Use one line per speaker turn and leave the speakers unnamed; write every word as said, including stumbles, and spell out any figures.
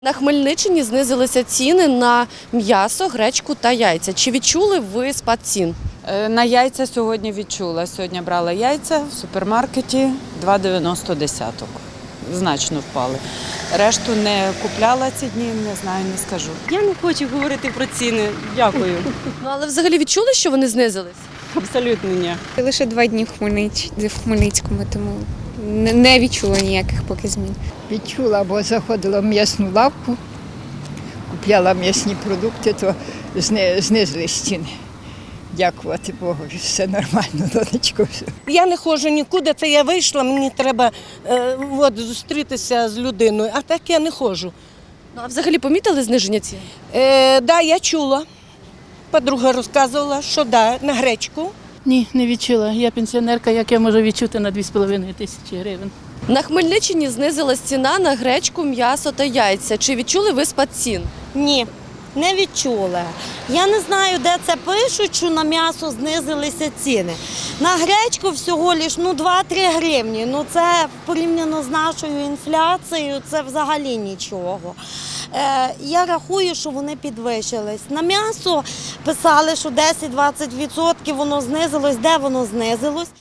На Хмельниччині знизилися ціни на м'ясо, гречку та яйця. Чи відчули ви спад цін?
На яйця сьогодні відчула. Сьогодні брала яйця в супермаркеті два дев'яносто десяток. Значно впали. Решту не купляла ці дні, не знаю, не скажу.
Я не хочу говорити про ціни. Дякую.
Ну, але взагалі відчули, що вони знизились?
Абсолютно ні.
Лише два дні в, Хмельнич... в Хмельницькому, тому не- не відчула ніяких поки змін.
Відчула, бо заходила в м'ясну лавку, купляла м'ясні продукти, то зни- знизились ціни. Дякувати Богу, все нормально, донечко. Все.
Я не ходжу нікуди, це я вийшла, мені треба е, от, зустрітися з людиною, а так я не ходжу.
Ну, а взагалі помітили зниження цін?
Е, да, я чула, подруга розказувала, що да, на гречку.
Ні, не відчула. Я пенсіонерка, як я можу відчути на дві з половиною тисячі гривень.
На Хмельниччині знизилась ціна на гречку, м'ясо та яйця. Чи відчули ви спад цін?
Ні, не відчула. Я не знаю, де це пишуть, що на м'ясо знизилися ціни. На гречку всього лиш ну, два-три гривні. Ну, це порівняно з нашою інфляцією, це взагалі нічого. Е, я рахую, що вони підвищились. На м'ясо писали, що десять-двадцять відсотків воно знизилось. Де воно знизилось?